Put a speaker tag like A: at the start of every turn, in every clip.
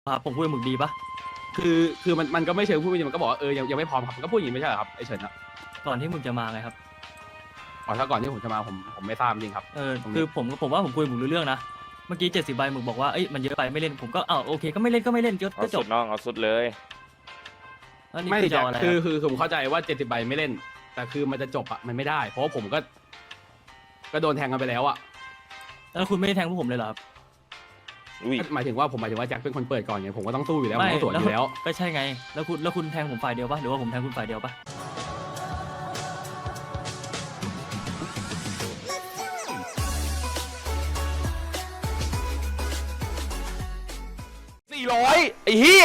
A: ครับผมพูดกับหมึกดีปะ
B: คือมันก็ไม่เชิงพูดไม่ดีมันก็บอกว่ายังไม่พร้อมครับมันก็พูดอย่างนี้ไม่ใช่เหรอครับไอ้เฉินอะ
A: ก่อนที่หมึกจะมาไงครับ
B: อ๋อถ้าก่อนที่ผมจะมาผมไม่ทราบจริงครับตรงนี้
A: คือผมว่าผมคุยกับหมึกรู้เรื่องนะเมื่อกี้70 ใบหมึกบอกว่าเอ้ยมันเยอะไปไม่เล่นผมก็โอเคก็ไม่เล่นก็ไม่เล่นก็
C: เอา
A: จ
C: สุ
A: บ
C: ดน้องเอาสุดเลย
A: อันนี้
B: ไม่
A: คือจะ
B: จะ
A: เอาอะไร
B: คือผมเข้าใจว่า70ใบไม่เล่น แต่คือมันจะจบอะมันไม่ได้ เพราะว่าผมก็โดนแทงกันไปแล้วอะ
A: แล้วคุณไม่ได้แทงพวกผมเลยเหรอครับ
C: อุ้ย
B: หมายถึงว่าแจ็คเป็นคนเปิดก่อนไงผมก็ต้องสู้อยู่แล้วผมต้องสวนอยู่แล้ว
A: ก็ใช่ไงแล้วคุณแทงผมฝ่ายเดียวปะหรือว่าผมแทงคุณฝ่ายเดียวปะ
C: 400ไอ้เหี้ย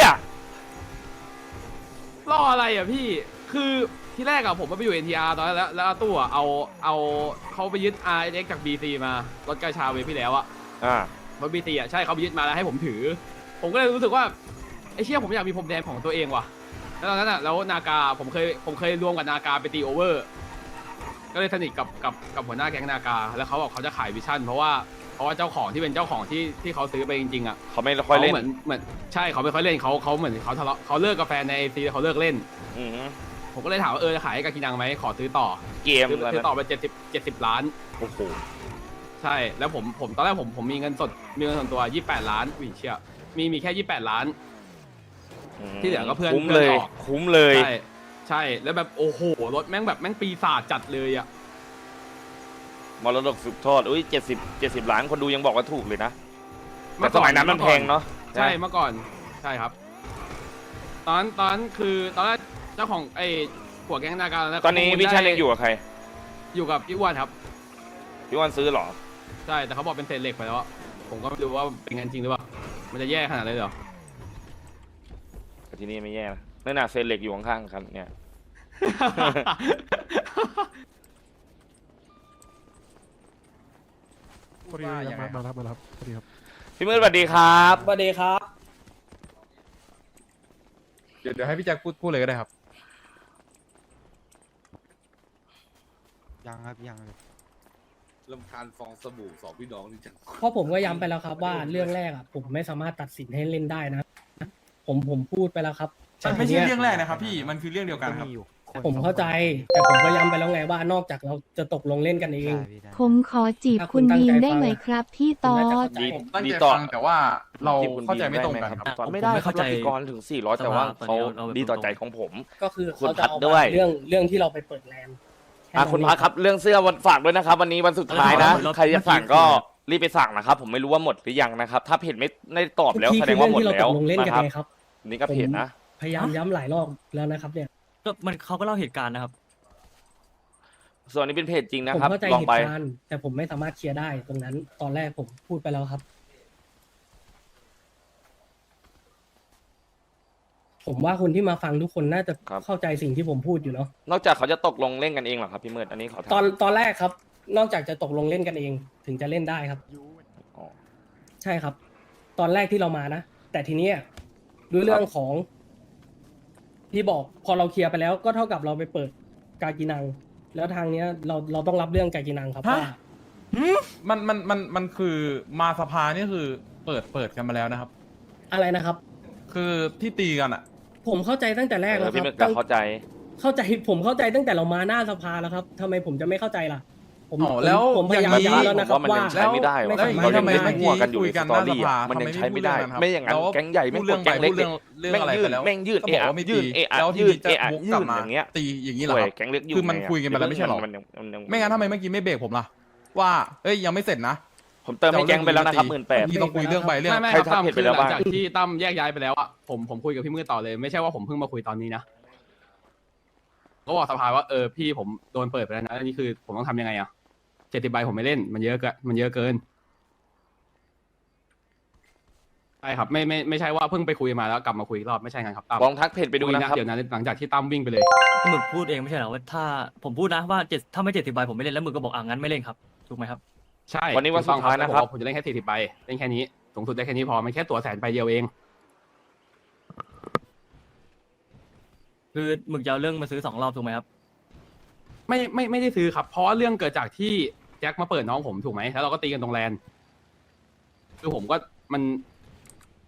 B: รออะไรอ่ะพี่ คือที่แรกอะผมไปอยู่ NTR ตอนนั้นแล้วตู้อะเอาเขาไปยึด RX จาก BC มารถกระชาเวฟพี่แล้วอะ
C: อ่าร
B: ถ BC อะใช่เขาไปยึดมาแล้วให้ผมถือ ผมก็เลยรู้สึกว่าไอ้เชี่ยผมอยากมีพรมแดงของตัวเองว่ะแล้วตอนนั้นอะแล้วนากาผมเคยรวมกับนากาไปตีโอเวอร์ก็เลยสนิทกับหัวหน้าแก๊งนากาแล้วเขาบอกเขาจะขายวิชั่นเพราะว่าเจ้าของที่เป็นเจ้าของที่เขาซื้อไปจริงๆอะ
C: เขาไม่ค่อยเล่น
B: เหมือนใช่เขาไม่ค่อยเล่นเขาเหมือนเขาทะเลาะเขาเลิกกับแฟนในไอซีเขาเลิกเล่น
C: อือหือ
B: ผมก็เลยถามว่าจะขายให้กากินังไหมขอซื้อต่อ
C: เกม
B: ซื้อต่อไป70 ล้าน
C: โอ้โห
B: ใช่แล้วผมตอนแรกผมมีเงินส่วนตัว28 ล้านอุ้ยเชี่ยมีแค่28 ล้าน ที่เหลือก็เพื่อน
C: คุ้มเลย
B: เพื่อนออก
C: คุ้มเลย
B: ใช่แล้วแบบโอ้โหรถแม่งปีศาจจัดเลยอะ
C: มรดกสืบทอดอุ้ย70 ล้านคนดูยังบอกว่าถูกเลยนะแต่สมัยนั้นมันแพงเนาะ
B: ใช่เมื่อก่อนใช่ครับ ตอนคือตอนแรกเจ้าของไอ้หัวแก๊งนาการ
C: ตอนนี้วิชันยังอยู่กับใคร
B: อยู่กับพี่อ้วนครับ
C: พี่วันซื้อเหรอ
B: ใช่แต่เขาบอกเป็นเศษเหล็กไปแล้วอะผมก็ไม่รู้ว่าเป็นงั้นจริงหรือเปล่ามันจะแย่ขนาดนั้นเลยเหรอ
C: แต่ที่นี่ไม่แย่นะนั่นน่ะเซนเหล็กอยู่ข้างๆกันเนี่ย
D: พอดีมารับพอดีครับ
C: พี่มืดสวัสดีครับ
E: สวัสดีครับ
D: เดี๋ยวให้พี่แจ็คพูดเลยก็ได้ครับ
F: ยังครับยังเลย
G: ลำคาญฟองสบู่สองพี่น้องนี่จัง
E: เพราะผมก็ย้ำไปแล้วครับว่าเรื่องแรกอ่ะผมไม่สามารถตัดสินให้เล่นได้นะ ผมพูดไปแล้วครับ
H: มันไม่ใช่
E: แต่ที
H: เรื่
E: นี้
H: องแรกนะครับพี่ มันคือเรื่องเดียวกันครับ
E: ผมเข้าใจ แต่ผมก็ย้ำไปแล้วไงว่านอกจากเราจะตกลงเล่นกันเอง
F: พี่ได้
I: ผมขอจีบคุณบีมได้ไหมครับพี่ตอ
E: คุณน่าจะ
I: ด
E: เข้าใจ
H: ผมตั้ง
C: ดี
H: ใจ
C: ต่อ
H: ฟังแต่ว่าเรา
C: ที่คุณ
H: เข้าใจไม่ตรงกันครับ
C: ตอนไม่ได้เขาใจกรถึง400แต่ว่าเขาดีต่อใจของผม
E: ก็คือ
C: คุณ
E: เขาจะ
C: พัด
E: เอา
C: ด้วย
E: เรื่องที่เราไปเปิดแลนด์แนั้น
C: คุณพักครับเรื่องเสื้อวันฝากด้วยนะครับ วันนี้วันสุดท้ายนะ ใครจะสั่งก็รีบไปสั่งนะครับ ผมไม่รู้ว่าหมดหรือยังนะครับ ถ้าเพจไม่ได้ตอบแล้ว
E: ที่
C: แสด
E: คื
C: ง
E: เรื่
C: ว่าหมด
E: ที่เรา
C: แล้
E: ต
C: ว
E: กลงเล่น
C: นะ
E: กัน
C: ครับ
E: ไงครับ
C: นี่ก็เพจนะ
E: พยายามย้ำหลายรอบแล้วนะครับเนี่ย
A: ก็เขาก็เล่าเหตุการณ์นะครับ
C: ส่วนนี้เป็นเพจจริงนะ
E: ผม
C: ครับ
E: เข้าใจ
C: ลอง
E: เห
C: ไป
E: ตุการณ์แต่ผมไม่สามารถเคลียร์ได้ตรงนั้น ตอนแรกผมพูดไปแล้วครับ ผมว่าคนที่มาฟังทุกคนน่าจะ
C: ครับ
E: เข้าใจสิ่งที่ผมพูดอยู่เนาะ
C: นอกจากเขาจะตกลงเล่นกันเองเหรอครับพี่มืดอันนี้ขอถาม
E: ตอนแรกครับ นอกจากจะตกลงเล่นกันเองถึงจะเล่นได้ครับ
C: อ๋อ
E: ใช่ครับ ตอนแรกที่เรามานะแต่ทีเนี้ยด้วยเรื่องของที่บอกพอเราเคลียร์ไปแล้วก็เท่ากับเราไปเปิดกากินัง แล้วทางเนี้ยเราต้องรับเรื่องกากินังครับ
H: ฮะ
E: ว่า
H: มันคือมาสภานี่คือเปิดกันมาแล้วนะครับ
E: อะไรนะครับ
H: คือที่ตีกันอ่ะ
E: ผมเข้าใจตั้งแต่แรกแล้วค
C: พี่
E: รับ
C: มืดก็เข้าใจ
E: ผมเข้าใจตั้งแต่เรามาหน้าสภาแล้วครับทำไมผมจะไม่เข้าใจล่ะ ผม
H: อ๋อแล้ว
E: ผมพยายาม
H: อย่างนี้
E: ย้ำแล้วนะค
C: ผ
E: รับ
C: มว่ามัน
E: ว่า
C: ยังใช้ไม่ได้วะ
H: แล้วอย่างนี้
C: เรายัง
H: ทำไม
C: เล่น
H: เมื่อ
C: มั่วกันอยู่
H: คุ
C: ใน
H: ย
C: ส
H: กัน
C: ต
H: ห
C: อ
H: น้าส
C: รี่
H: ภา
C: อะมันยัง
H: ทำไม
C: ใช้ไม่ได้
H: ไม่พูดเรื่องนั้นครับ
C: ไม่อย่างนั้น
H: แล้ว
C: แก๊งใหญ่ไม่
H: พูด
C: ก
H: เรื่
C: ด
H: อง
C: แก๊งเล็ก
H: เรื่องอะไร
C: ยื
H: ไป
C: ด
H: แล้ว
C: แม่งยืด
H: ก็
C: เอะ
H: บอก
C: อะ
H: ว่าไม่
C: ยื
H: ตี
C: ดเอะอะ
H: แล้วที
C: ยืด
H: นี้จะ
C: เอะอะ
H: วก
C: ยื
H: กลั
C: ด
H: บมา
C: อย่างเงี้ย
H: ตีอย่างนี้เหรอครับ
C: แก๊งเล็กอยู่
H: คือมันคุยกันไปแล้วไม่ใช่เหรอ ไม่งั้นทำไมเมื่อกี้ไม่เบรกผมล่ะ ว่าเอ้ยยังไม่เสร็จนะ
C: ผมเติมให้แก๊งไปแล้วนะครับ18,000
H: ที่ต้องคุยเรื่องใบเรื่อง
B: ไม่
C: ใคร
B: ครับตั้ม
C: ทำผิดไป
B: คือ
C: แล้ว
B: หลัง
C: บ้าง
B: จากที่ตั้มแยกย้ายไปแล้วอะผมคุยกับพี่มือต่อเลยไม่ใช่ว่าผมเพิ่งมาคุยตอนนี้นะก็บอกสภาว่าพี่ผมโดนเปิดไปแล้วนะอันนี้คือผมต้องทำยังไงอะ70 ใบผมไม่เล่นมันเยอะเกินใช่ครับไม่ใช่ว่าเพิ่งไปคุยมาแล้วกลับมาคุยอีกรอบไม่ใช่กันครับตั้ม
C: ลองทักเพจไปดูนะครับ
B: เดี๋ยวนั้นหลังจากที่ตั้มวิ่งไปเลย
A: หมึกพูดเองไม่ใช่เหรอว่าถ้าผมพูดนะว่าถ้าไม่70 ใบผมไม่เล่นแล้วหมึกก็บอกงั้นไม่เล่นครับถูกไหมครับ
B: ใช่
C: วันนี้วันสุดท้ายนะครับ
B: ผมจะเล่นแค่40 ใบเล่นแค่นี้สูงสุดได้แค่นี้พอมันแค่ตัวแสนใบเดียวเอง
A: คือหมึกจะเอาเรื่องมาซื้อ2 รอบถูกไหมครับ
B: ไม่ได้ซื้อครับ เพราะว่าเรื่องเกิดจากที่แจ็คมาเปิดน้องผมถูกไหมแล้วเราก็ตีกันตรงแลนคือผมก็มัน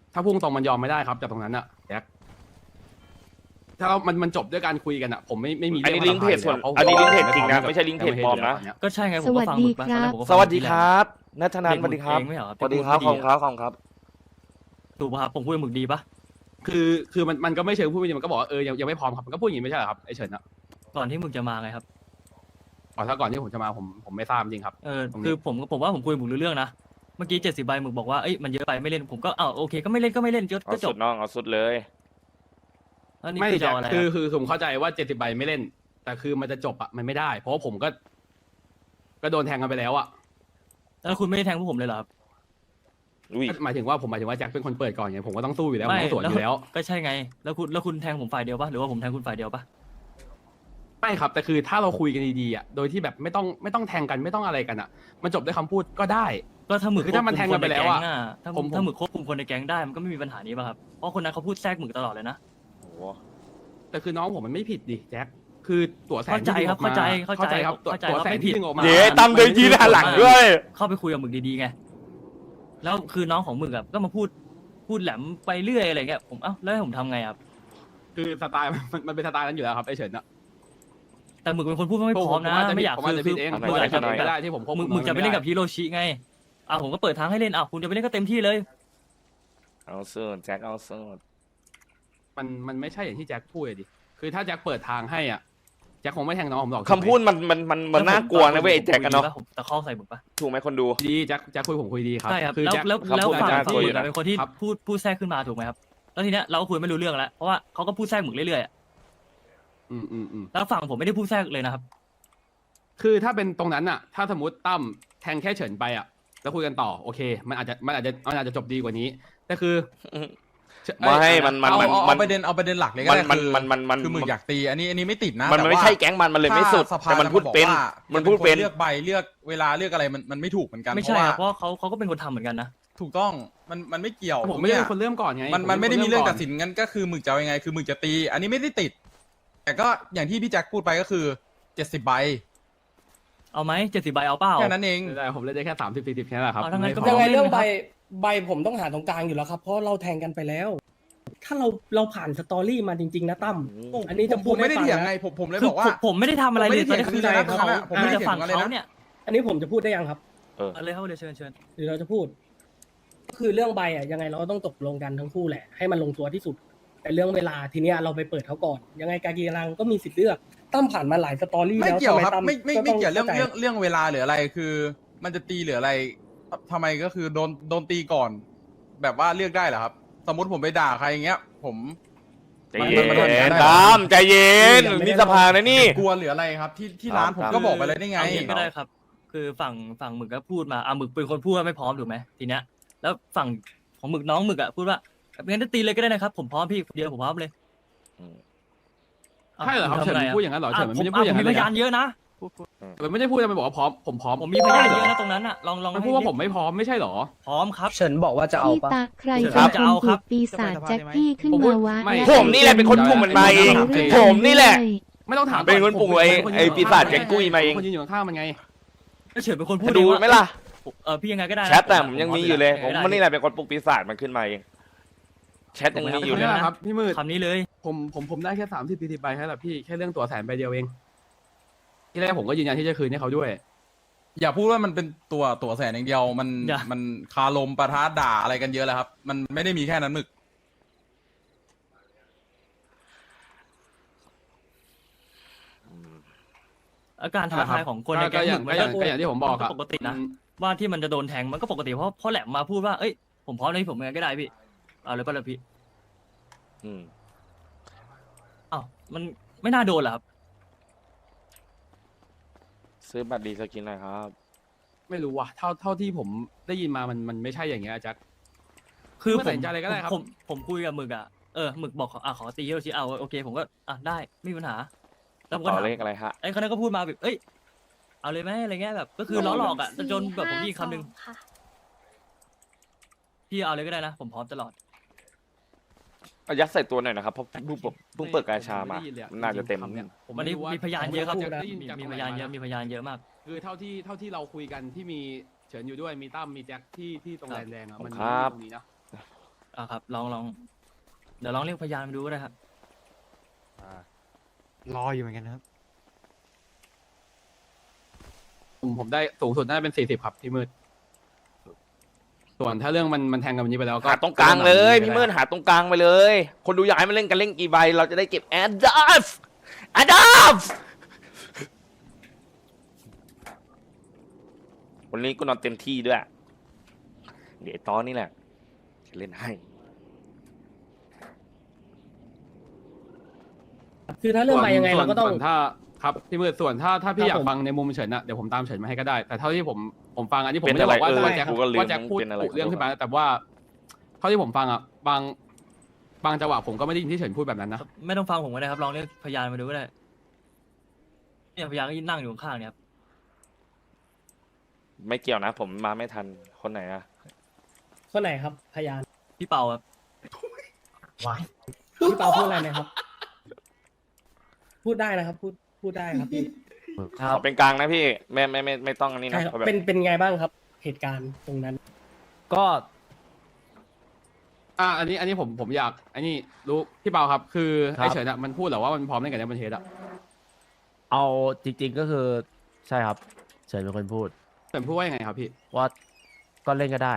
B: ถ้าพุ่งตรงมันยอมไม่ได้ครับจากตรงนั้นอะแจ็คถ้าเรามันจบด้วยการคุยกันอะผมไม่มี
C: อันนี้
B: เรื่
C: ลิงก์เพจส่วน
B: พราะ
C: อันนี้ลิงก์เพจ
B: ผม
C: จริงนะ
B: กับ
C: ไม่ใช่ลิงก์เพจปลอมนะ
A: ก็ใช่ไงผมก็ฟังหมึกมาตอนแรกผมก็
C: ส
A: ฟัง
C: วัสดีครับนัทนัน
A: เด็ก
C: สวัสดีครับ
A: เองไม่เหรอ
C: สวัสดีครับ
A: ที่
C: ข
A: พู
C: อบ
A: ด
C: คุณ
A: ไม่ดี
C: ครับขอบคุณครับ
A: ถูกป่ะครับผมพูดกับหมึกดีปะ
B: คือมันก็ไม่เชิงพูดไม่ดีมันก็บอกว่ายังไม่พร้อมครับมันก็พูดอย่างนี้ไม่ใช่เหรอครับไอเฉินอะ
A: ก่อนที่หมึกจะมาไงครับ
B: อ๋อถ้าก่อนที่ผมจะมาผมไม่ทราบจริงครับ ตรงนี้
A: คือผมว่าผมคุยกับหมึกรู้เรื่องนะเมื่อกี้70ใบหมึกบอกว่าเอ้ยมันเยอะไปไม่เล่นผมก็โอเคก็ไม่เล่นก็
C: เอา
A: จ
C: สุ
A: บ
C: ดน้องเอาสุดเลย
A: แล้วนี่
B: ไม่
A: คือจะ
B: แต่
A: เอาอะไร
B: คือผมเข้าใจว่า70ใบไม่เล่น แต่คือมันจะจบอะมันไม่ได้ เพราะว่าผมก็โดนแทงกันไปแล้วอะ
A: แล้วคุณไม่ได้แทงพวกผมเลยเหรอครับ
C: อุ้ย
B: หมายถึงว่าแจ็คเป็นคนเปิดก่อนไงผมก็ต้องสู้อยู่แล้วผมต้องสวนอยู่แล้ว
A: ก็ใช่ไงแล้วคุณแทงผมฝ่ายเดียวปะหรือว่าผมแทงคุณฝ่ายเดียวปะ
B: ไม่ครับแต่คือถ้าเราคุยกันดีๆอะโดยที่แบบไม่ต้องแทงกันไม่ต้องอะไรกันอะมันจบด้วยคำพูดก็ได้
A: ก็ถ้าหมึก
B: คือถ้ามันแทงกันไปแล้วอะ
A: ถ้าหมึกควบคุมคนในแก๊งได้มันก็ไม่มีปัญหานี้ป่ะครับเพราะคนนั้นเขาพูดแทรกหมึกตลอดเลยนะ
C: โอ้โห
B: แต่คือน้องผมมันไม่ผิดดิแจ็คคือตัวแสน
A: เข้าใจครับ
B: ที่ดึงออกมา
A: เข้าใจ
B: ครับ
A: เข้าใจ
B: ตัว
A: ว่า
B: แสน
A: ไม่ผิด
B: ที่ดึงออกมา
C: เดี๋ยวตั้มเดินทีหน้าหลังด้วย
A: เข้าไปคุยกับหมึกดีๆไงแล้วคือน้องของหมึกอะก็มาพูดแหลมไปเรื่อยอะไรเงี้ยผมแล้วให้ผมทำไงครับ
B: คือสไตล์มันเป็นสไตล์นั้นอยู่แล้วครับไอเฉินอะ
A: แต่หมึกเป็นคนพูดไม่พร้อมนะไม่อยาก
B: ผมอาจจะผิดเอง
A: ห
B: ผม
A: มึก
B: อา
A: อา
B: จ
A: จ
B: จะ
A: จะ
B: ผิด
A: แบ
B: ก็
A: บ
B: ได้ที่ผมควบคุ
A: หมึกจะไปเล่นกับ
B: ไ
A: ฮิโรชิไงผมก็เปิดทางให้เล่นคุณจะไปเล่นก็เต็มที่เลย
C: เอาสุดแจ็คเอาสุด
B: มันไม่ใช่อย่างที่แจ็คพูดเลยดิคือถ้าแจ็คเปิดทางให้อ่ะแจ็คคงไม่แทงน้องผมหรอก
C: คำพูดมันน่ากลัวนะเว้ยไอ้แจ็คกันเนาะ
A: ผมตะคอกใส่หมึกปะ
C: ถูกไหมคนดู
B: ดีแจ็คคุยผมคุยดีครับ
A: ใช่ครับ
B: คือ
A: แล้ว
B: แจ็ค
A: แล้ว
C: คำพูด
A: ฝั่ง
C: น่า
A: ที่
C: กลัว
A: ห
C: อยู่
A: มึก
C: นะ
A: เป็นคนที่
B: ครับ
A: พูดแทรกขึ้นมาถูกไหมครับแล้วทีเนี้ยเราก็คุยไม่รู้เรื่องแล้วเพราะว่าเขาก็พูดแทรกหมึกเรื่อยๆอะ
B: อืม
A: แล้วฝั่งผมไม่ได้พูดแทรกเลยนะครับ
B: คือถ้าเป็นตรงนั้นอ่ะ ถ้าสมมติตั้มแทงแค่เฉินไปอ่ะแล้วคุยกันต่อโอเคมันอาจจะจบดีกว่านี้แต่คือ
C: ไม่มัน
H: เอาประเด็นหลักเลยก็ได้
C: มัน
H: คือหมึกอยากตีอันนี้ไม่ติดนะ
C: มัน
H: แต่
C: ไม่
H: ว่า
C: ใช่แก๊งมันเลยไม่สุด
H: ถ้าสภา
C: แต่มันพูดเป็น
H: จะบอกว่า
C: มันพูดเป็น
H: เลือกใบเลือกเวลาเลือกอะไรมันไม่ถูกเหมือนกัน
A: ไม่
H: เพ
A: ใช่
H: ราะว่า
A: ครับเพราะเขาก็เป็นคนทำเหมือนกันนะ
H: ถูกต้องมันไม่เกี่ยว
B: ผมไม่ได้เป็นคนเริ่มก่อนไง
H: มันไม่ได้มีเรื่องตัดสิ
B: น
H: นงั้นก็คือหมึกจะเอายังไงคือหมึกจะตี อันนี้ไม่ได้ติด แต่ก็อย่างที่พี่แจ็คพูดไปก็คือ70ใบ
A: เอาไหม70ใบเอาเปล่า
H: แค่นั้นเอง
B: แต่ผมเล่นได้แค่30-40แค่นั้นแหละครับ
A: เอาทั้งนั้นก็
E: ยังไง
A: ไม่
E: เรื่อง
A: ไม่
E: ใบผมต้องหาตรงกลางอยู่แล้วครับ เพราะเราแทงกันไปแล้ว ถ้าเราผ่านสตอรี่มาจริงๆนะตั้มอันนี้จะ
H: ผ
E: พูด
H: มไม่ได้
E: ให้ฟัง
H: เถียง
E: นะ
H: ไงผมเลย
A: คื
H: บอกว่า
A: ผมไม่ได้ทำอะไรเลยตอนนี้คือ
H: ผมไม่ได้เถียง
A: ฝั่ง
H: อะไรนะ
A: เขาเนี่ย
E: อันนี้ผมจะพูดได้ยังครับ
A: เอาเลยครับเดี๋ยวเชิญ
E: หรือเราจะพูด ก็คือเรื่องใบอ่ะยังไงเราก็ต้องตกลงกันทั้งคู่แหละ ให้มันลงตัวที่สุด แต่เรื่องเวลาทีเนี้ยเราไปเปิดเขาก่อน ยังไงกากีรังก็มีสิทธิ์เลือกตั้มผ่านมาหลายสตอรี่
H: ไม่
E: แล้ว
H: เกี่ยว
E: ทำ
H: ครับ
E: ตั้
H: ไม่
E: ก็ต้
H: เกี่ยวเรื่อง
E: ข้าใจ
H: เรื่องเวลาหรืออะไรคือ มันจะตีหรืออะไรทำไมก็คือโดนตีก่อน แบบว่าเลือกได้เหรอครับ สมมติผมไปด่าใครอย่างเงี้ย ผม
C: ใจเย็
H: มันทำอย่างนั้น
C: น
H: ได้เหรอ
C: ตามใจเย็นนี่สภานะนี่
H: กลัวหรืออะไรครับ ที่ร้านผมก็บอกไปเลยได้ไง
A: เอาอย่างนี้ก็ได้ครับ คือฝั่งหมึกก็พูดมาหมึกเป็นคนพูดว่าไม่พร้อมถูกไหมทีเนี้ยแล้วฝั่งของหมึกน้องหมึกอ่ะพูดว่างั้นจะตีเลยก็ได้นะครับผมพร้อมพี่คนเดียวผมพร้อมเลย
B: ใช่เหรอครับเฉินพูดอย่างนั้นเหรอเฉินมันไม่ได้
A: ผ
B: พูดอย่าง
A: มี
B: นั้น
A: พ
B: เลย
A: ยานเยอะนะ
B: มันไม่ได้พูดมันบอกว่าพร้อมผมพร้อม
A: ผมมีพยานเยอะนะตรงนั้นอ่ะลอง
B: มันพูดว่าผมไม่พร้อมไม่ใช่เหรอ
A: พร้อมครับ
E: เฉินบอกว่าจะเอา
I: พี่
E: ปะ
I: ตาใคร
A: ครั
I: เป็น
A: บ
I: คน
A: จะเอาค
I: ถู
A: รับ
I: กปีศาจแจ็คกี้ขึ้น
B: ผมพู
I: มา
B: ด
I: วะ
B: ไม่
I: และ
C: ผมนี่แหละเป็นคนปลุกมันมาเองผมนี่แหละ
B: ไม่ต้องถาม
C: เป็นคนปลุกไอ้ปีศาจแจ็คกุ้ยมาเอง
B: คนยืนอยู่ข้างๆมันไง
A: เฉินเป็นคนพูด
C: ดู
A: เองว่า
C: ไหมล่ะ
A: พี่ยังไงก็ได้นะ
C: แชทแต่ผมยังมีอยู่เลย ผม
A: ได้
C: มันนี่แหละเป็นคนปลุกปีศาจมันขึ้นมาเองแชทยังมีอยู่เลย
B: นี่แห
C: นะ
B: ละครับพี่มืด
A: คำนี้เลย
B: ผมได้แค่30-40ใบแค่นั้นแหละพี่แค่เรื่องตั๋วแสนใบเดียวเองที่แรกผมก็ยืนยันที่จะคืนให้เขาด้วย
H: อย่าพูดว่ามันเป็นตัวแสนอย่างเดียว มันคาลมปะทะด่าอะไรกันเยอะแล้วครับ มันไม่ได้มีแค่นั้นหมึก
A: อาการท้าทายของคนในแก๊งหมึกมัน
B: ก็อย่างที่ผมบอกครับ
A: ปกตินะว่าที่มันจะโดนแทงมันก็ปกติเพราะแหลมมาพูดว่าเอ้ยผมพร้อมเลยผมยังไงก็ได้พี่เอาเลยป่ะเลยพี่
C: อืม
A: อ้าวมันไม่น่าโดนเหรอครับ
C: ซื้อบัตรดีสกินหน่อยครับ
B: ไม่รู้ว่ะเท่าที่ผมได้ยินมามันไม่ใช่อย่างเงี้ยอาจัก
A: คือ
B: ไม่ตัดสินใจอะไรก็ได้ครับ
A: ผมคุยกับหมึกอ่ะหมึกบอกขอตีฮิโรชิเอาโอเคผมก็ได้ไม่มีปัญหาแล้วผมก็
C: ต่อ
A: ถาม
C: เลขอะไรฮะ
A: ไอ้คนนั้นก็พูดมาแบบเอ้ยเอาเลยไหมอะไรเงี้ยแบบก็คือล้อหลอกอ่ะจนแบบผมมีคำหนึ่งพี่เอาเลยก็ได้นะผมพร้อมตลอด
C: เอายัดใส่ตัวหน่อยนะครับเพราะเพิ่งเปิดกาชามาน่าจะเต็ม
B: ผม
A: วัน
B: ไม่
A: นี้
B: รู้ว่า
A: มีพยานเยอะครับ
B: ผมได้ยินจาก
A: มี
B: ตรง
A: พ
B: ไหน
A: ยานเยอะ
B: ม
A: มีพยานเยอะมาก
B: คือเท่าที่เราคุยกันที่มีเฉินอยู่ด้วยมีตั้มมีแจ็คที่ตรงแดนแดงอะมัน
C: ครับ
B: ตรงนี้นะ
A: ครับลองเดี๋ยวลองเรียกพยานมาดูก็ได้ครับ
D: รออยู่เหมือนกันครับ
B: ผมได้สูงสุดน่าจะเป็น40ครับพี่มืดส่วนถ้าเรื่องมันแทงกันวันนี้ไปแล้วก็
C: หาตรงกลางเลยพี่มืดหาตรงกลางไปเลย คนดูอยากให้มันเล่นกันเล่นกี่ใบเราจะได้เก็บแอดดัฟวันนี้กูนอนเต็มที่ด้วย เดี๋ยวตอนนี้แหละจะเล่นให้
E: คือถ้าเรื่องไปยังไงเราก็ต้อง
B: ส่วนถ้าครับพี่มืดส่วนถ้าพี่อยา
E: ครั
B: ก
E: บผม
B: ฟังในมุมเฉินอะเดี๋ยวผมตามเฉินมาให้ก็ได้ แต่เท่าที่ผมฟังอันนี้ผม
C: เป็น
B: ไม่ได้บอกว่า
C: อะไร
B: ว่าแจ็ค
C: กูก็ลืม
B: ว่าแจ็คพูด
C: เป็นอะไร
B: กุเรื่องขึ้นมาแต่ว่าเท่าที่ผมฟังอะบางจังหวะผมก็ไม่ได้ยินที่เฉินพูดแบบนั้นนะ
A: ไม่ต้องฟังผมก็ได้ครับลองเรียกพยานมาดูก็ได้เนี่ยพยานก็ยืนนั่งอยู่ข้างๆเนี่ยครับ
C: ไม่เกี่ยวนะ ผมมาไม่ทันคนไหนอะ
E: คนไหนครับพยาน
A: พี่เปาครับ
E: พี่เปาพูดอะไรไหมครับ พูดได้นะครับ พูดได้ครับพี่
C: ขอเป็นกลางนะพี่ไม่ต้องอันนี้
E: ใช่
C: นะครับ แบบ
E: เป็นไงบ้างครับ เหตุการณ์ตรงนั้น
F: ก็
B: อันนี้ผมอยากอันนี้รู้พี่เปาครับ คือไอเฉินอะมันพูดเหรอว่ามันพร้อมเล่นกับในประเทศอะ
F: เอาจริง ๆก็คือใช่ครับเฉินเป็นคนพูด
B: เฉินพูดว่ายังไงครับพี่
F: ว่าก็เล่นก็ได้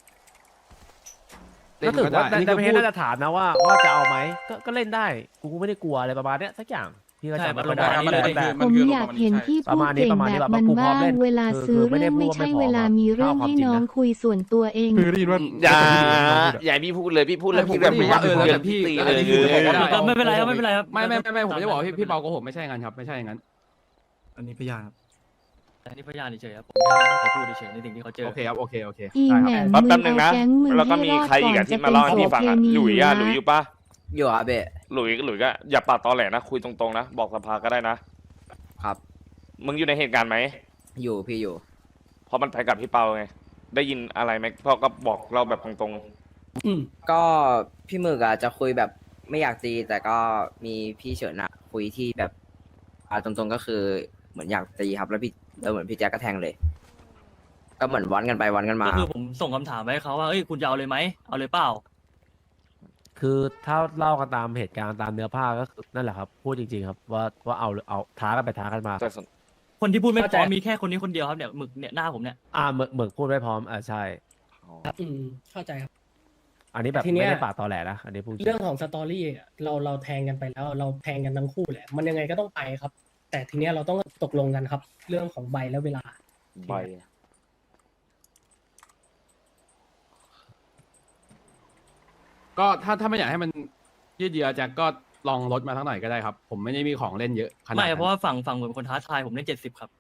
B: เล่
F: ก็
B: น
F: ถือ
B: ก็ได้
F: ว่า
B: อันนี้
F: แต่
B: คือ
F: ประเท
B: พู
F: ศ
B: ด
F: น่าจะถามนะว่าจะเอาไหมก็เล่นได้กูไม่ได้กลัวอะไรประมาณเนี้ยสักอย่างพี่ก็
A: ใช่
F: จำ
A: มั
F: ไม่
A: น
F: ได้
A: ประมาณนี้เลย
I: ผมอยากเห็นพี่พูดเก่งแบบมันบ้างเวลาซื้อเรื่องไม่ใช่เวลามีเรื่องให้น้องคุยส่วนตัวเอง
D: คือได้ยินว่า
C: อย่าพี่พูดเลยพี่พูดแล้วพี่แบบ
B: ผมก็ได้ยินว่า
C: เดือ
B: แล้วแต่
C: ด
B: พี่
C: ตี
B: อะ
C: เล
B: ไร
C: ย
B: ที่พูดก็ได้
A: ก็ไม่เป็นไรครับไม่เป็นไรครับ
B: ไม่ผมจะบอกว่าพี่เปาโกหกไม่ใช่อย่างนั้นครับไม่ใช่อย่างนั้น
D: อันนี้พยานครับ
A: แต่นี่พยานเฉยๆครับผมแค่ให้เขาพูดเฉยๆในสิ่งที่เขาเจอ
B: โอเคครับโอเค
I: อี
B: ได้
I: แห
B: ค
I: ม่
B: รับ
I: ม
C: แป๊บนึงนะ
I: แก๊งมึง
C: แล้วก็
I: ให้
C: มี
I: รอด
C: ใครอีก
I: ก่อ
C: อะ
I: น
C: ที่
I: จะ
C: มา
I: เป็น
C: เล่าให้
I: โส
C: พี่ฟัง
I: เพ
C: อะ
I: ณี
C: หลุยอะหลุย
I: นะ
C: อยู่ปะ
J: อยู่อ่ะเบะ
C: หลุยก็อย่าปากตอแหลนะคุยตรงๆนะบอกสภาก็ได้นะครับ มึงอยู่ในเหตุการณ์ไหม
J: อยู่พี่อยู่
C: เพราะมันไปกับพี่เปาไงได้ยินอะไรไหมพ่อก็บอกเราแบบตรง
E: อืม
J: ก็พี่หมึกอ่ะจะคุยแบบไม่อยากตี แต่ก็มีพี่เฉินอ่ะ คุยที่แบบตรงๆก็คือเหมือนอยากตีครับ แล้วเหมือนพี่แจ๊กก็แทงเลย ก็เหมือนวันกันไปวันกันมา
A: ก็คือผมส่งคำถามไปให้เขาว่าเอ้ยคุณจะเอาเลยไหมเอาเลยเปล่า
F: คือถ้าเล่ากันตามเหตุการณ์ตามเนื้อผ้าก็คือนั่นแหละครับพูดจริงๆครับว่าเอาท้ากันไปท้ากันมา
C: ๆแต่สน
A: คนที่พูดไม่พ
E: เข้าใจ
A: ร้อมมีแค่คนนี้คนเดียวครับเนี่ยหมึกเนี่ยหน้าผมเนี่ย
F: เหมือนพูดไม่พร้อมใช่
E: อืมเข้าใจครับ
F: อันนี้แบบ
E: ทีเนี้ย
F: ไม่ได้ปากตอแหลนะอันนี้พูดจริง
E: เรื่องของสตอรี่อะเราแทงกันไปแล้ว เราแทงกันทั้งคู่แหละ มันยังไงก็ต้องไปครับ แต่ทีเนี้ยเราต้องตกลงกันครับ เรื่องของใบและเวลา
C: ใบ
B: ก็ถ้าไม่อยากให้มันยืดเยื้อแจ็คก็ลองลดมาทั้งหน่อยก็ได้ครับ ผมไม่ได้มีของเล่นเยอะขนาด
A: ไม่
B: นั้น
A: เพราะว่าฝั่งเหมือนเป็นคนท้าทายผมเล่น70ครับ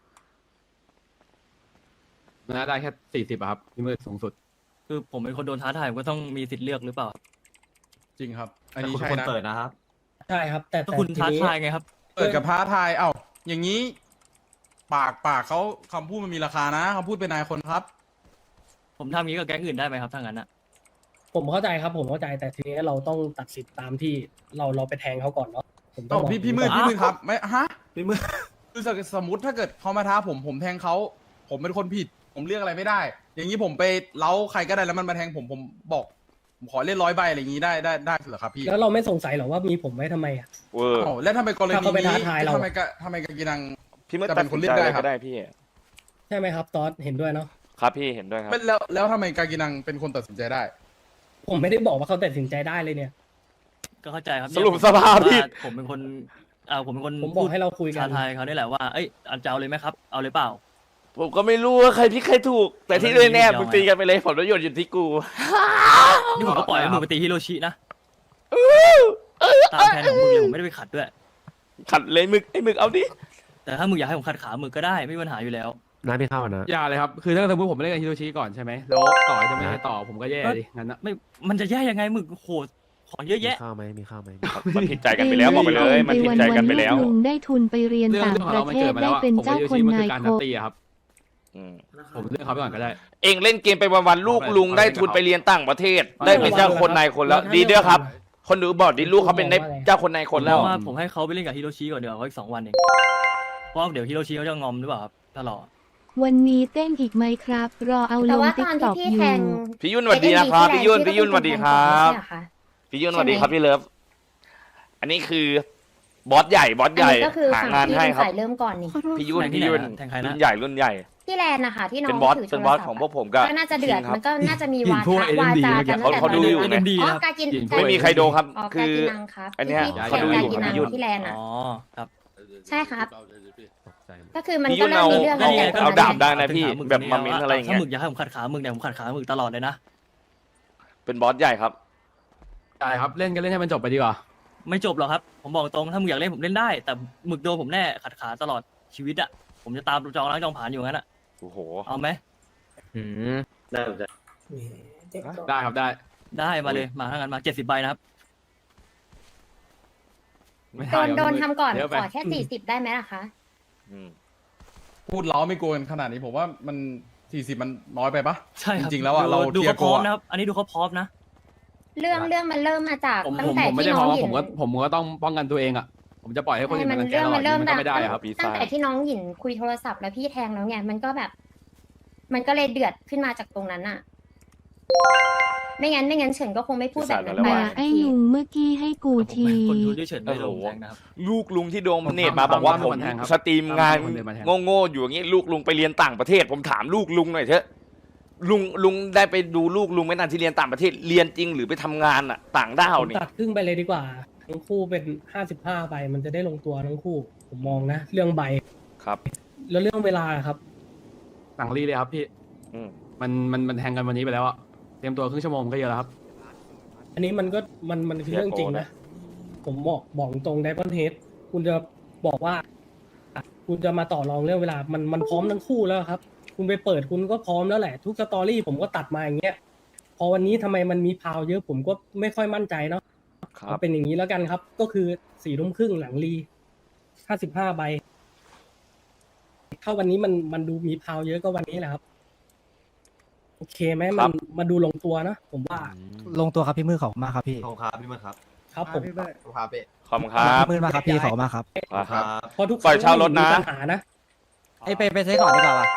B: นะได้แค่40อะครับพี่มืดสูงสุด
A: คือผมเป็นคนโดนท้าทายผมก็ต้องมีสิทธิ์เลือกหรือเปล่า
H: จริงครับ อันนี้ใช่
D: คน
H: นะ
D: เปิดนะครับ
E: ใช่ครับ แต่
A: ถ้าคุณ
E: ที
A: ท้า
E: นี้
A: ทายไงครับ
H: เปิดกับท้าทาย เอ้า อย่างนี้ ปากเขาคำพูดมันมีราคานะคำพูดเป็นนายคนครับ
A: ผมทำงี้กับแก๊งอื่นได้ไหมครับถ้างั้นอะ
E: ผมเข้าใจครับ ผมเข้าใจ แต่ทีนี้เราต้องตัดสินตามที่เราไปแทงเขาก่อนเนาะผมต้อง
H: เอ้า
E: บอก
H: พี่มืด
E: ก่อน
H: ครับไม่ฮะ
D: พี่มืด
H: คือสมมติถ้าเกิดเขามาท้าผมแทงเขาผมเป็นคนผิด ผมเลือกอะไรไม่ได้ อย่างนี้ผมไปเล้าใครก็ได้แล้วมันมาแทงผมบอกผมขอเล่น100 ใบอะไรอย่างนี้ได้เหรอครับพี่
E: แล้วเราไม่สงสัยหรอว่ามีผมไว้ทำไมอ่ะ
C: เวอร์
H: อ้าวแล้วทำไมกรณี
E: ถ้าเขาไป
H: นี้
E: ท้าทายเรา
H: ทำไมกากินัง
C: พี่ไม่
H: จะ
C: ตั
H: เป็
C: ด
H: นค
C: สิ
H: น
C: น
H: เลื
C: ใจ
H: อกได้
C: อะไร
H: ครั
C: ก็
H: บ
C: ได้พี่
E: ใช่ไหมครับตอสเห็นด้วยเนาะ
C: ครับพี่เห็นด้วยครับ
H: แล้วทำไมกากินังเป็นคนตัดสินใจได้
E: ผมไม่ได้บอกว่าเขาตัดสินใจได้เลยเนี่ย
A: ก็เข้าใจครับ
C: สรุปสภาพพี่
A: ว่าผมเป็นคนผมเป็นคน
E: ผมบอกให้เราคุยกั
A: ท้าน ทายเขานี่แหละว่าเอ้ยอันจะเอาเลยไหมครับเอาเลยเปล่า
C: ผมก็ไม่รู้ว่าใครพี่ใครถูก แต่ที่แน่ๆมึงตีกันไปเลยผลประโยชน์อยู่ที่กู
A: นี่ผมก็ปล่อยให้มึงไปตีฮิโรชินะตามแผนของมึงเลยผมไม่ได้ไปขัดด้วย
C: ขัดเลยมึกไอ้มึกเอาดิ
A: แต่ถ้ามึงอยากให้ผมขัดขามึงก็ได้ไม่มีปัญหาอยู่แล้ว
F: น้ำพี่เข้านะ
B: อย่าเลยครับ คือถ้าสมมติผมไม่เล่นกับฮิโรชิก่อนใช่ไหมแล้วต่อจะไม่ให้ต่อผมก็แย่ดิงั้นนะ
A: ไม่มันจะแย่ยังไงมึงโหของเยอะ
F: มี
A: แยะ
F: ข้าวไหมมีข้าวไหม
C: มันผิดใจกันไปแล้วบอกไปเลยมันผิดใจกันไปแล้ว
I: ลุงได้ทุนไปเรียน
B: เรื่อง
I: ต่าง
B: ของ
I: ประ
B: เรามัน
I: เท
B: เกิ
I: ศ
B: ดมา
I: ได้
B: แล้วอะ
I: เป็น
B: ผม
I: เจ้า
B: กับฮิโร
I: ค
B: ชิ
I: น
B: มันคื
I: นา
B: อย การ
I: โค
B: นัดตีอะครับ
C: อืม
B: ผมเลือกเขาไปก่อนก็ได้
C: เองเล่นเกมไปวันๆลูกลุงได้ทุนไปเรียนต่างประเทศ ได้เป็นเจ้าคนนายคนแล้ว ดีเด้อครับ คนดูบอกดิลูกเขาเป็นได้เจ้าคนนายคนแล้ว
A: เพราะว่าผมให้เขาไปเล่นกับฮิโรชิก่อนเดี๋ยวเขาอีก2 วันเองเพราะว่าเดี๋ยวฮิโรชิเขาจะงอมหรือเปล่าครับถ้ารอ
I: วันนี้เต้นอีกไหมครับ รอเอาล
K: แต่
I: ง
K: ว่า
I: ติ๊
K: ต
I: ก
K: อน
I: ต็
K: ที่
I: อก
K: พี่
I: อ
K: แท
I: ยู่
K: ง
C: พี่ยุ่นสวัสดีนะครับพี่ยุ่นพี่ยุ่นสวัสดีครับ พี่ยุ่นสวัสดีครับพี่เลิฟอันนี้คือบอสใหญ่บอส
K: อัน
C: ใหญ่
K: นี้ก็คือ
C: หา
K: ฝั่ง
C: งาน
K: พี่
C: ให้
K: เป็น
C: ครับ
K: ฝ่ายเริ่มก่อนนี่
C: พี่ยุ่น
A: แทงที่
C: พี่
A: ไหน
C: ยุ่น
A: นะแทงใครนะ
C: รุ่นใหญ่รุ่นใหญ่
K: ที่แลนด์นะคะที่น้อง
C: เป็นบอส
K: ถือ
C: เป็นบอส
K: โทรศัพท์
C: ของพวกผมกับ
K: ก็น่าจะเดือด
C: คิงครับ
K: มันก็น่าจะมี
B: หยิ
K: วาน
B: พวก
K: ทะวา
B: AMD
K: จากันตั้งแต่
C: เขาดูอยู่
K: ตน
C: ไง
K: นั้น
A: ดี
K: อ๋อ
A: ครับ
K: กากิน
B: ไม่
C: มีใครโดนครับ
K: อ๋อ
C: คื
K: กา
C: อ
K: กินังครับ
C: อันเนี้ย
K: ที่
C: เขาดูอยู่
K: แข่งกากินัง
C: พี่ยุ่น
K: ที่แลนด์อ่ะ
A: อ๋อครับ
K: ใช่ครับ
F: ตกใจหมด
K: ก็คือมัน
C: พี่
K: ก็
C: ยุ่น
K: เริ่ม
C: เอา
K: มีเรื่อง
C: เอา
K: ตั้งแต่ตอน
C: เอา
K: นั้น
C: ดาบได้
K: แหละ
C: นะพี่
A: ถึงหมึก
C: แบบ
A: คน
C: มา
A: นี้
C: มิ้นอะไรอย่าง
A: ถ้า
C: เงี้ย
A: หมึกอยากให้ผมขัดขาหมึกเนี่ยผมขัดขาหมึกตลอดเลยนะ
C: เป็นบอสใหญ่ครับ
B: ได้ครับเล่นกันเล่นให้มันจบไปดีกว่า
A: ไม่จบหรอกครับ ผมบอกตรงถ้าหมึกอยากเล่นผมเล่นได้ แต่หมึกโดนผมแน่ขัดขาตลอดชีวิตอะผมจะตามจองล้างจองผ่านอยู่งั้นอะ
C: โอ้โห
A: เอาไหม
F: น่าสนใจ
B: ได้ครับได้
A: ได้มาเลยมาทั้งนั้นมา70ใบนะครับ
B: ไม่
K: โดน
B: ได้
K: โดนทำก่อน
B: เยะ
K: ข
B: ไป
K: อแค่40ได้ไหมล่ะคะ
C: อืม
H: พูดเล้าไม่โกนขนาดนี้ผมว่ามัน40มันน้อยไปปะ
A: ใช่ครับ
H: จริงๆแล้วอะเรา
A: ดู
H: เทีย
A: เขา
H: ร์
A: พร้อม
H: โกอะ
A: นะครับ อันนี้ดูเขาพร้อมนะ
K: เรื่องมันเริ่มมาจาก
B: ผม
K: ตั้
B: ผ
K: ง
B: ม
K: แต่
B: ผมไม่
K: ที่
B: ได้
K: น้
B: เพ
K: อง
B: ราะว่า
K: หยิ
B: ผม
K: น
B: ก็ผมก็ต้องป้องกันตัวเองอ่ะผมจะปล่อยให้คนอื่นมารังแกเราอย่างนี้มันก็ไม่ได้ครับ
K: ตั้งแต่ที่น้องหยินคุยโทรศัพท์แล้วพี่แทงแล้วไงมันก็แบบ มันก็เลยเดือดขึ้นมาจากตรงนั้นอะไม่งั้นเฉินก็คงไม่พูดแบบนั้นไป
I: ด่าไอ้ลุงเมื่อกี้ให้กูที
A: คนดูที่เฉินไม่ลงแทงนะครับ
C: ลูกลุงที่โดนเนตมาบอกว่าผมสตรีมงานโง่ๆอยู่อย่างนี้ลูกลุงไปเรียนต่างประเทศ ผมถามลูกลุงหน่อยเถอะลุงได้ไปดูลูกลุงไหมนั่นที่เรียนต่างประเทศเรียนจริงหรือไปทำงานอ่ะ ต่างด้าว
E: ผม
C: นี่
E: ตัดครึ่งไปเลยดีกว่า ทั้งคู่เป็น55ใบมันจะได้ลงตัวทั้งคู่ ผมมองนะ เรื่องใบ
C: ครับ
E: แล้วเรื่องเวลาครับ
B: หลังรีเลยครับพี่
C: อืม
B: มันแทงกันวันนี้ไปแล้วอะเตรียมตัวครึ่งชั่วโมงก็เยอะแล้วครับ
E: อันนี้มันก็มันคือเรื่องจริงนะ ผมบอกตรงไดมอนเฮดคุณจะบอกว่า คุณจะมาต่อรองเรื่องเวลา มันพร้อมทั้งคู่แล้วครับ คุณไปเปิดคุณก็พร้อมแล้วแหละ ทุกสตอรี่ผมก็ตัดมาอย่างเงี้ย พอวันนี้ทำไมมันมีพาวเยอะผมก็ไม่ค่อยมั่นใจเนาะ
C: ครับ
E: เอาเป็นอย่างนี้แล้วกันครับ ก็คือ4 ทุ่มครึ่งหลังรี55ใบ ถ้าวันนี้มันดูมีพาวเยอะก็วันนี้แหละครับ โอเคไหมมันดูลงตัวนะผมว่า
D: ลงตัวครับพี่มือขอบคุณมากครับพี่ขอบครับพี่มือครับ
E: ครับผม
C: ขอบคุณครับ
D: พี่มือมากครับพี่ขอบคุณมากครับ
C: ครับ
E: เพราะทุก
C: ปล่อยเช่ารถนะ
E: มีปัญหานะ
D: ไปใช้ก่อนดีกว่าป่ะ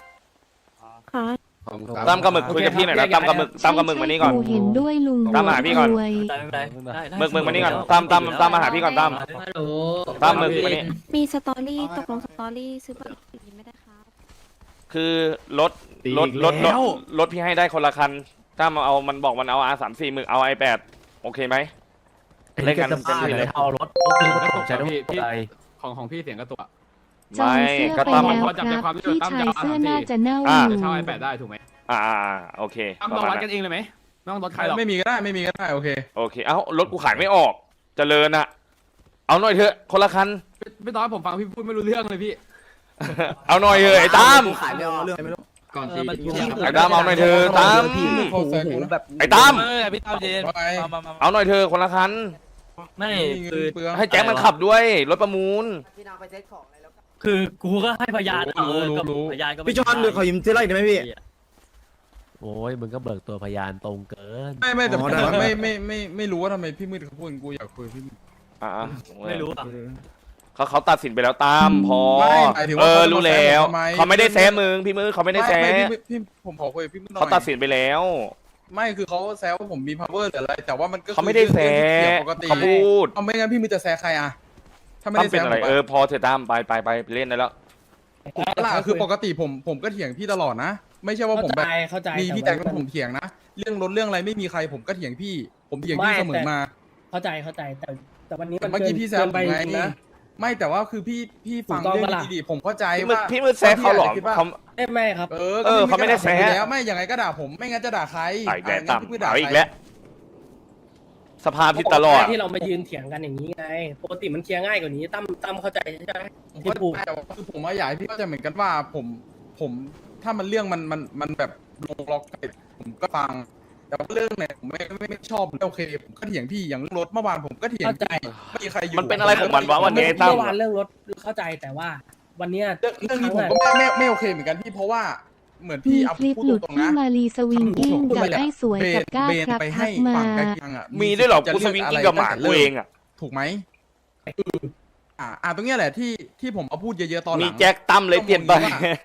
C: ตามกับหมึกคุยกับพี่หน่อยนะตามกับหมึกมานี่ก่อน
I: กูเห็นด้วยลุง
C: ตามหาพี่ก่อน
I: รวย
A: ได้ไม่เป็นไรได้
C: หมึกมานี่ก่อนตามมาหาพี่ก่อนตามหมึกมานี่
K: มีสตอรี่ตกลงสตอรี่ซื้อบัตรไม่ได้ครับ
C: คือรถ
B: ตี
C: รถ
B: อีก
C: รถ
B: แล้ว
C: รถพี่ให้ได้คนละคันถ้ามันเอามันบอกมันเอา R34 หมึกเอา i8 โอเคไหม เล่นกัน
F: จะบ้า
C: เต็มที่
F: เล
C: เลย ย
F: เอารถโอ้คือมันตกใจ
B: พี่
F: ด้วย
B: พี่
F: ใจ
B: ของพี่เสียงกระตุกอะ
I: จอง
C: ไม่
I: เสื้อ
C: ก็
I: ไป
C: ตาม
I: แล้ว
B: พอจับใจ
I: ค
B: ควา
I: รั
B: ม
I: บ
B: ที่
I: พี่
B: ตาม
I: ชาย
B: จะเอา
I: เสื้อ
B: ตาม
I: น่า
B: ที่
I: จะเน่า
C: อ่า
I: อยู่
B: จะเช่า iPad ได้ถูกไหม
C: โอเค
B: ตั้ม
C: ประ
B: ต้อง
C: มาณ
B: วัดกั
C: นั้น
B: นเองเลยไหมไม่ต้องรถใครหรอก
H: ไม่มีก็ได้ไม่มีก็ได้โอเค
C: โอเคเอ้ารถกูขายไม่ออกเจริญอะเอาหน่อยเถอะคนละคัน
B: ไม่ตอนผมฟังพี่พูดไม่รู้เรื่องเลยพี่
C: เอาหน่อยเถอะไอ้ตั้ม
D: ขายไม่เอาเรื่องไม่รู้
A: ก่อนตี
C: ไอ้ตั้มเอาหน่อยเถอะตั้ม
H: โอ้โหแบบ
C: ไอ้ตั้ม
A: พี่ตามเย็น
H: ว่าไง
C: เอาหน่อยเถอะคนละคัน
A: ไม่
H: เงิ
A: คือน
H: เปลือง
C: ให้แจ็คมันขับด้วยรถประมูล
A: คือกูก็ให้พยานก็พยานก็ไม่
D: พี่จอนเดี๋ยวขอยืมเสื้อไล่ได้ไหมพี่
F: โอ้ยมึงก็เบิกตัวพยานตรงเกิน
H: ไม่แต่
D: อ๋อ
H: แต่
D: ได้
H: ว่าไม่รู้ว่าทำไมพี่มืดเขาพูดกูอยากคุยกับพี่มืด
C: อ่า
A: ไม่รู้อ่ะ
C: เขาตัดสินไปแล้วตามพอ
H: ไม่หมายถึงว่าเขาจะมา
C: รู้แล้ว
H: แซะผมทำไม
C: เขาไม่ได้แซะมึงพี่มือเขาไม่ได้แซะ
H: พี่ผมขอคุยกับพี่มืดหน่อย
C: เขาตัดสินไปแล้ว
H: ไม่คือเขาแซวว่าผมมี power หรืออะไร แต่ว่ามันก็คือ
C: เขาไม่ได้แซะ
H: เรื่องที่เกี่ยวปกติ
C: เขาพูด
H: เอาไม่งั้นพี่มืดจะแซะใครอะถ้าไม่
C: ตั้ม
H: ได้
C: เป็น
H: แซะ
C: อะไร
H: ผม
C: พอเถอะตั้มไปเล่นได้แล้ว
H: ล่ะคือปกติผมก็เถียงพี่ตลอดนะ ไม่ใช่ว่าผมแบบ
E: เข้าใจ
H: มีพี่แจ็คแล้วผมเถียงนะ เรื่องรถเรื่องอะไรไม่มีใครผมก็เถียงพี่ ผมเถียงพี่เสมอมา
E: เข้าใจแต่วันนี้
H: แต่
E: มัน
H: เมื่อกี้พี่แซว
E: ไป
H: ผมไง
E: จริงนะ
H: ไม่แต่ว่าคือพี่ฟัง
E: ถูกต้อง
H: เรื่อง
E: ปะล่ะ
H: ดีๆผมเข้าใจ
C: พี่มื
H: ว่า
C: ดแซะเขาหรอ
H: พี่จจะคิดว่า
C: เขา
E: ไม่ครับ
H: ก็
C: เขาไม่ได้แซะ
H: ด่าผอยู่แล้วไม่ยังไงก็ด่าผมไม่งั้นจะด่าใคร
C: ไอ้แก
H: งั้น
C: ตั้ม
H: พี่มืดด่า
C: เอา
H: ใคร
C: อีกแล้วสภาพผิดตลอด
E: ที่เรามายืนเถียงกันอย่างนี้ไงปกติมันเคลียร์ง่ายกว่านี้ตั้มเข้าใจใช่ไหม
H: ผม
E: ที่
H: ก็
E: พูด
H: แต่ว่าคือผมว่าอยากให้พี่เข้าใจเหมือนกันว่าผมถ้ามันเรื่องมันแบบลงล็อกไปผมก็ฟัง แต่ว่าเรื่องไหนผมไม่ชอบไม่โอเค ผมก็เถียงพี่อย่างเรื่องรถเมื่อวานผมก็เถียง
E: เข้าใจ
H: ไม่มีใครอยู่
C: มันเป็นอะไรของมันวะวันนี้
E: เมื่อวานเรื่องรถเข้าใจแต่ว่า วันเนี้ย
H: เรื่องนี้ผมก็ไม่โอเคเหมือนกันพี่เพราะว่าเหมือนพี่
I: มี
H: เอา
I: คลิป
H: พูด
I: หลุด
H: ตรงๆ
I: ที่
H: นะ
I: มารีสวิงกิ้ง
H: พูด
I: กับ
H: เลยอะ
I: ไอ้สวยกับก้า
H: เบน
I: ครับ
H: ไป
I: ทั
H: ให้
I: กมา
H: ฝั่งกากินังอะ
C: มีด้วยเหรอ
H: จะ
C: กูส
H: เลื
C: วิง
H: อะ
C: กิ้
H: ไรง
C: กับหมา
H: ตั้แต่
C: กู
H: ริ่
C: เองอ่ะ
H: ถูกไหมตรงเนี้ยแหละที่ผมเอาพูดเยอะๆตอนหลัง
C: มีแจ็คตั้มเลยเปลี่ยนไป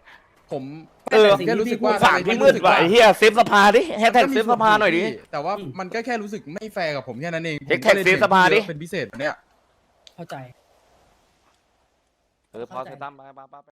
H: ผม
C: เออ
H: แค่รู้สึกว่า
C: ฝากพี่มืดว่ะไอ้เหี้ยเซฟสภาดิแฮชแท็กเซฟสภาหน่อยดิ
H: แต่ว่ามันก็แค่รู้สึกไม่แฟร์กับผมแค่นั้นเอง
C: แฮชแท็กเซฟสภาดิ
H: เป็นพิเศษเนี่ย
E: เข้าใจ
C: พอเธอตั้มไป